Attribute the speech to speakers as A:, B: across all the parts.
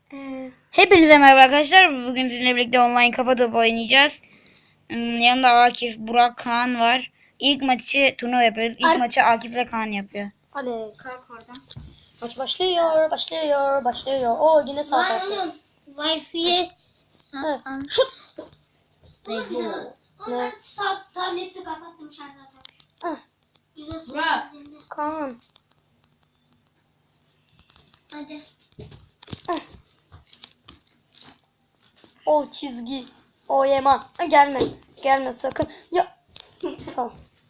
A: Hepinize merhaba arkadaşlar. Bugün sizinle birlikte online kafa topu oynayacağız. Yanımda Akif, Burak, Kaan var. İlk maçı turnuva yapıyoruz. İlk maçı Akif ile Kaan yapıyor.
B: Hadi kalk oradan. Maç başlıyor. Oo yine sağ tarafta.
C: Wi-Fi'ye
B: Şut.
C: Ondan tableti kapattım şarjı tak. Güzel
A: Burak.
B: Kaan.
C: Hadi.
B: O çizgi. O Yaman. Gelme. Gelme sakın. Ya. Sağ ol.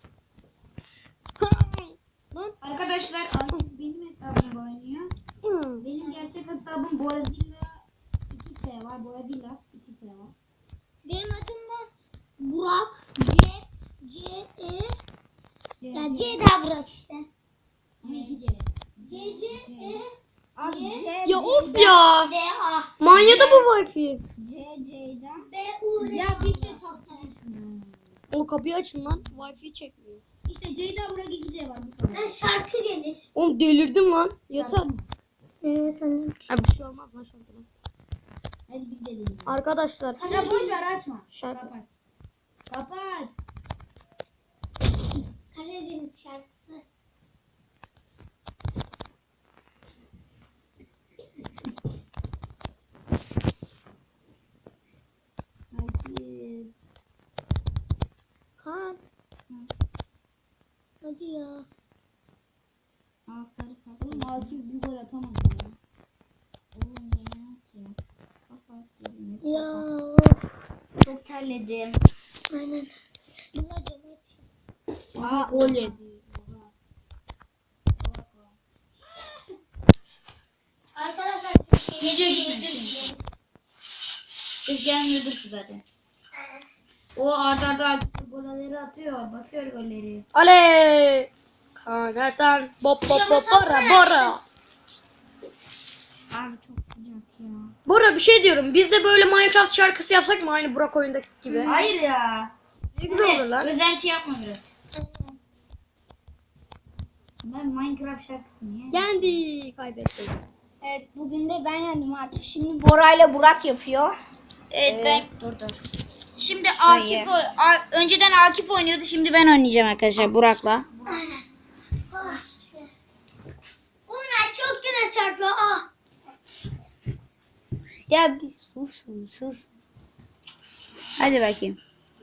A: Arkadaşlar Akif benim hesabımda oynuyor. Benim gerçek hesabım Borazilla 2S var. Borazilla 2S var.
C: Benim adım da Burak. Ya C daha Burak işte. C.
B: Ya of ya.
C: D A.
B: Manyadı bu Wi-Fi.
A: C'den.
C: B U R.
A: Ya bir şey toplanır.
B: O kapıyı açın lan. Wi-Fi çekmiyor.
A: İşte C'den Burak 2C var. Bu kadar.
C: Şarkı gelir.
B: Oğlum delirdim lan. Yeter.
C: Evet annem.
B: Ha, bir şey olmaz lan şarkıdan.
A: Hadi biz de deneyelim.
B: Arkadaşlar.
A: Ya boş ver açma.
B: Şarkı.
A: Kapat. Kapat.
C: Karadeniz şarkısı.
A: Hadi.
C: Kaan. Hadi ya.
A: Sarı kart. Oğlum Akif bir gol atamadı ya. Oğlum ne ya? Kapat.
C: Ya.
A: Çok terledim.
C: Aynen.
A: Aha oley.
C: Arkadaşlar
A: Gece gitmek. Biz gelmiyorduk ki zaten. O arda golleri atıyor. Basıyor golleri.
B: Ale. Kaan Ersen. Bop bora.
A: Abi çok sıcak ya.
B: Bora bir şey diyorum. Biz de böyle Minecraft şarkısı yapsak mı? Aynı Burak oyundaki gibi.
A: Hayır ya.
B: Ne güzel olur lan.
A: Özenti yapma biraz. Ben Minecraft şarkısı niye?
B: Yendi. Kaybettik.
C: Evet bugün de ben yendim artık. Şimdi Bora ile Burak yapıyor.
A: Evet ben. Dur. Şimdi
C: Akif
A: önceden Akif oynuyordu. Şimdi ben oynayacağım arkadaşlar Burak'la.
C: Aynen. Onlar çok güzel çarpıyor. Ah.
A: Ya bir sus. Hadi bakayım.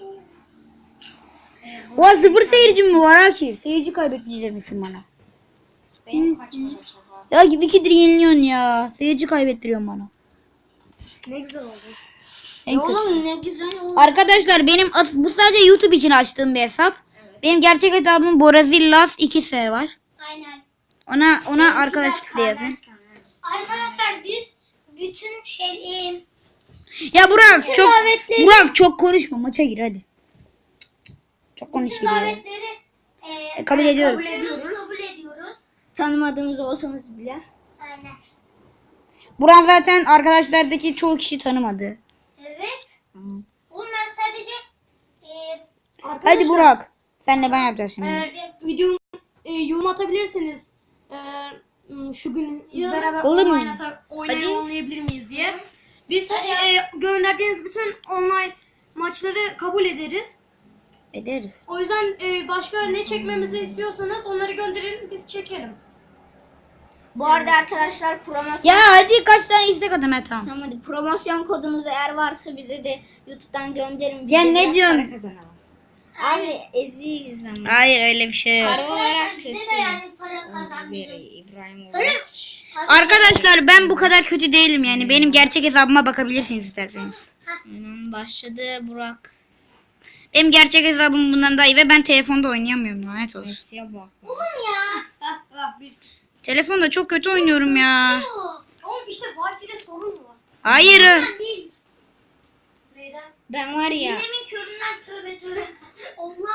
A: Ulan 0 seyirci mi var Akif? Seyirci kaybettirecek misin bana?
C: Benim kaç var acaba?
A: Ya gibi ikidir yeniliyorsun ya. Seyirci kaybettiriyorsun bana.
B: Ne güzel oldu.
A: En kötüsü.
C: Oğlum ne güzel oldu.
A: Arkadaşlar benim bu sadece YouTube için açtığım bir hesap. Benim gerçek hesabım Borazillas 2S var.
C: Aynen.
A: Ona arkadaşlık diye yazın.
C: Arkadaşlar biz bütün
A: Ya Burak
C: Bütün
A: çok
C: davetleri-
A: Burak çok konuşma, maça gir hadi. Çok
C: bütün
A: konuşuyor.
C: davetleri
A: Kabul ediyoruz.
C: Kabul ediyoruz.
A: Tanımadığımız olsanız bile.
C: Aynen.
A: Burak zaten arkadaşlardaki çoğu kişi tanımadı.
C: Evet. Oğlum ben sadece
A: Hadi Burak. Senle ben yapacağız şimdi.
B: Videomu yorum atabilirsiniz. Şu gün biz beraber
A: Olur mu?
B: oynayabilir miyiz diye. Biz gönderdiğiniz bütün online maçları kabul ederiz.
A: Ederiz.
B: O yüzden başka ne çekmemizi istiyorsanız onları gönderin, biz çekelim.
C: bu arada arkadaşlar promosyon
A: Ya hadi kaç tane istek atayım tamam.
C: Tamam hadi promosyon kodunuz eğer varsa bize de YouTube'dan gönderin.
A: Ya ne diyorsun?
C: Abi eziyiz ama.
A: Hayır öyle bir şey yok.
C: Arkadaşlar bize de yani para kazandırın.
A: Arkadaşlar ben bu kadar kötü değilim yani. Benim gerçek hesabıma bakabilirsiniz isterseniz.
C: Başladı Burak.
A: Benim gerçek hesabım bundan daha iyi ve ben telefonda oynayamıyorum, lanet olsun.
C: Oğlum ya.
A: Telefonda çok kötü oynuyorum ya.
B: Oğlum işte Wi-Fi'de sorun var.
A: Hayır.
C: Ben değil.
B: Neyden?
A: Ben var ya.
C: Yemin köründen tövbe. Allah.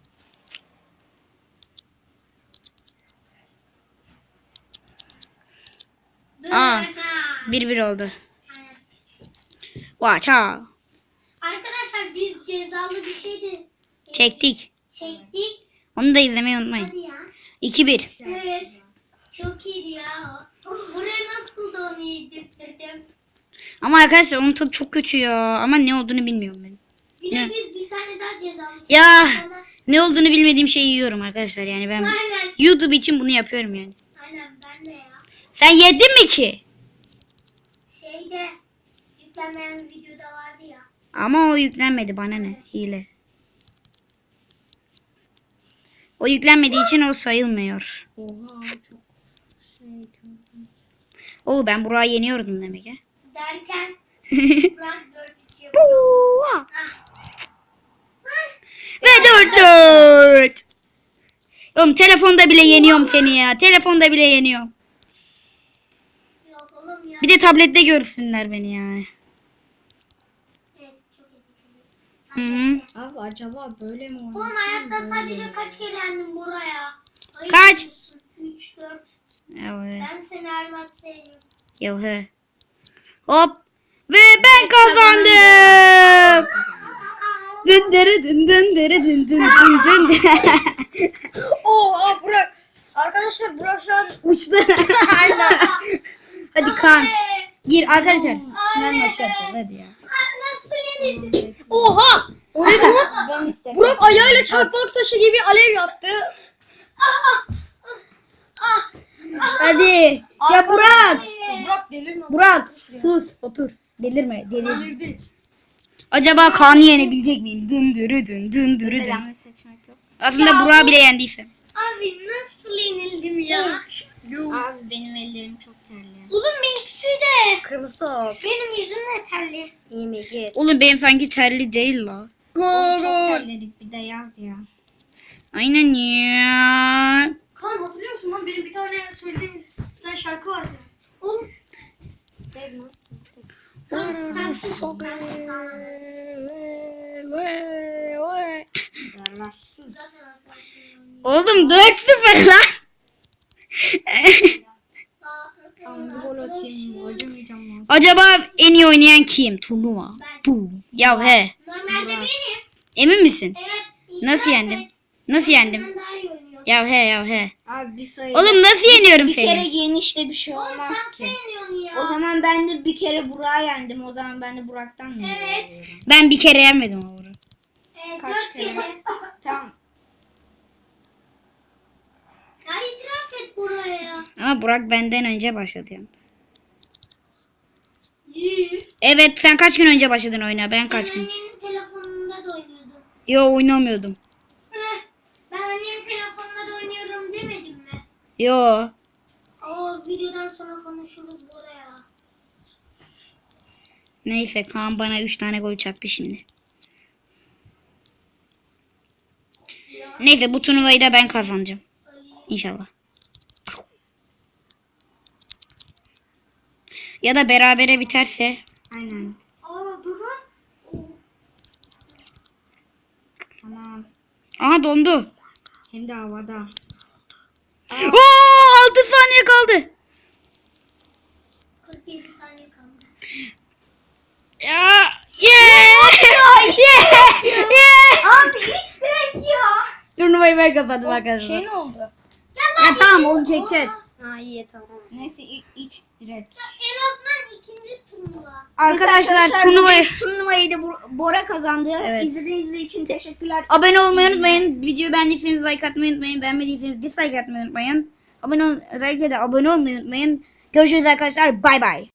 A: Aa. 1-1 oldu. Vaça.
C: Arkadaşlar biz cezalı bir şey de
A: Çektik.
C: çektik.
A: Onu da izlemeyi unutmayın.
C: Hadi ya.
A: 2-1.
C: Evet. Çok iyiydi ya. Buraya nasıl da onu yedirttirdim.
A: Ama arkadaşlar onun tadı çok kötü ya. Ama ne olduğunu bilmiyorum ben.
C: Bir de biz bir tane daha cezamız.
A: Ya ne olduğunu bilmediğim şeyi yiyorum arkadaşlar. Yani ben
C: Aynen.
A: YouTube için bunu yapıyorum yani.
C: Aynen ben de ya.
A: Sen yedin mi ki?
C: Şeyde yüklenmeyen bir videoda vardı ya.
A: Ama o yüklenmedi, bana ne? Hile. O yüklenmediği için o sayılmıyor.
B: Oha çok
A: Oo, ben Burak'ı yeniyordum demek ya.
C: Derken Burak 4-2 yapıyor.
A: Ve 4-4. Oğlum telefonda bile yeniyorum seni ya. Telefonda bile yeniyorum.
C: Yok oğlum ya.
A: Bir de tablette görsünler beni yani.
C: Evet, çok etkiliyiz.
A: Hı hı.
B: Abi acaba böyle mi
C: Oğlum hayatta sadece kaç kere yendim buraya?
A: Kaç?
C: 3, 4.
A: Evet.
C: Ben seni her maç sevdim.
A: Yahu. Hop. Ve ben kazandım. Dın dırı dın dın dırı dın dın dın dın.
B: Oha Burak. Arkadaşlar Burak şu an
A: Uçtu. Hadi Kaan. Gir arkadaşlar. Final maçı yapacağız hadi ya.
C: Nasıl yenildin?
B: oha. O neydi lan?
C: Ben istedim.
B: Burak ayağıyla çarpmak taşı gibi alev yaptı.
A: Hadi. Ya Burak.
B: Burak delirme.
A: Burak sus otur. Delirme delirme. Acaba Kaan'ı yenebilecek miyim? Dın dırı dın dın dırı dın.
B: seçmek yok.
A: Aslında Burak'ı bile yendiysem.
C: Abi nasıl yenildim ya?
B: Abi benim ellerim çok terli.
C: Oğlum benimkisi de.
B: Kırmızı top.
C: Benim yüzüm de terli.
B: İyi mi git.
A: Oğlum benim sanki terli değil la.
B: Çok terledik bir de yaz ya.
A: Aynen ya.
C: Kaan hatırlıyor musun lan benim bir tane söylediğim bir tane şarkı vardı. Oğlum sen sus.
B: Yarlarsız.
C: Zaten arkadaşlarım.
A: Oğlum 4-0 lan.
B: Ben gol atayım. Acımayacağım lan.
A: Acaba en iyi oynayan kim? Turnuva. Bu. Ya he.
C: Normalde benim.
A: Emin misin?
C: Evet.
A: Nasıl yendim? Nasıl yendim?
C: Ben daha iyi oynuyorum.
A: Ya he ya he.
B: Abi bir sayı.
A: Oğlum nasıl yeniyorum
B: bir kere
A: seni?
B: yenişte bir şey
C: Oğlum
B: olmaz
C: sen
B: ki.
C: yeniyorsun ya.
B: O zaman ben de bir kere Burak'ı yendim. O zaman ben de Burak'tan mı
C: Evet.
B: yeniyorum?
A: Ben bir kere yenmedim ama bunu.
B: Kaç
C: 4
B: kere?
C: kere.
B: Tamam.
C: Ya itiraf et buraya.
A: Ama Burak benden önce başladı yalnız.
C: Yürü.
A: Evet, sen kaç gün önce başladın oyuna? Ben kaç
C: Ben
A: gün?
C: annenin telefonunda da oynuyordum.
A: Yo, oynamıyordum.
C: Heh, ben annemin telefonunda da oynuyorum demedim mi?
A: Yo.
C: Videodan sonra konuşuruz buraya.
A: Neyse, Kaan bana 3 tane gol çaktı şimdi. Neyse, bu turnuvayı da ben kazanacağım. İnşallah. Ya da berabere biterse.
B: Aynen.
C: Durun.
B: Tamam.
A: Aha, dondu.
B: Hem de havada.
A: Oo, 6 saniye kaldı.
C: 47 saniye kaldı.
A: Ya. Yeah. Yeah.
C: Abi hiç direkt ya.
A: Turnuvayı ben kazandım arkadaşlar.
B: Şey ne oldu?
A: Ya tamam, onu çekeceğiz.
B: Ha iyi tamam. Neyse iç direkt.
C: En azından ikinci turnuva.
A: Arkadaşlar turnuvayı
B: Turnuvayı da Bora kazandı.
A: Evet.
B: İzlediğiniz için teşekkürler.
A: abone olmayı unutmayın. Videoyu beğendiyseniz like atmayı unutmayın. Beğenmediyseniz dislike atmayı unutmayın. Özellikle de abone olmayı unutmayın. Görüşürüz arkadaşlar. Bay bay.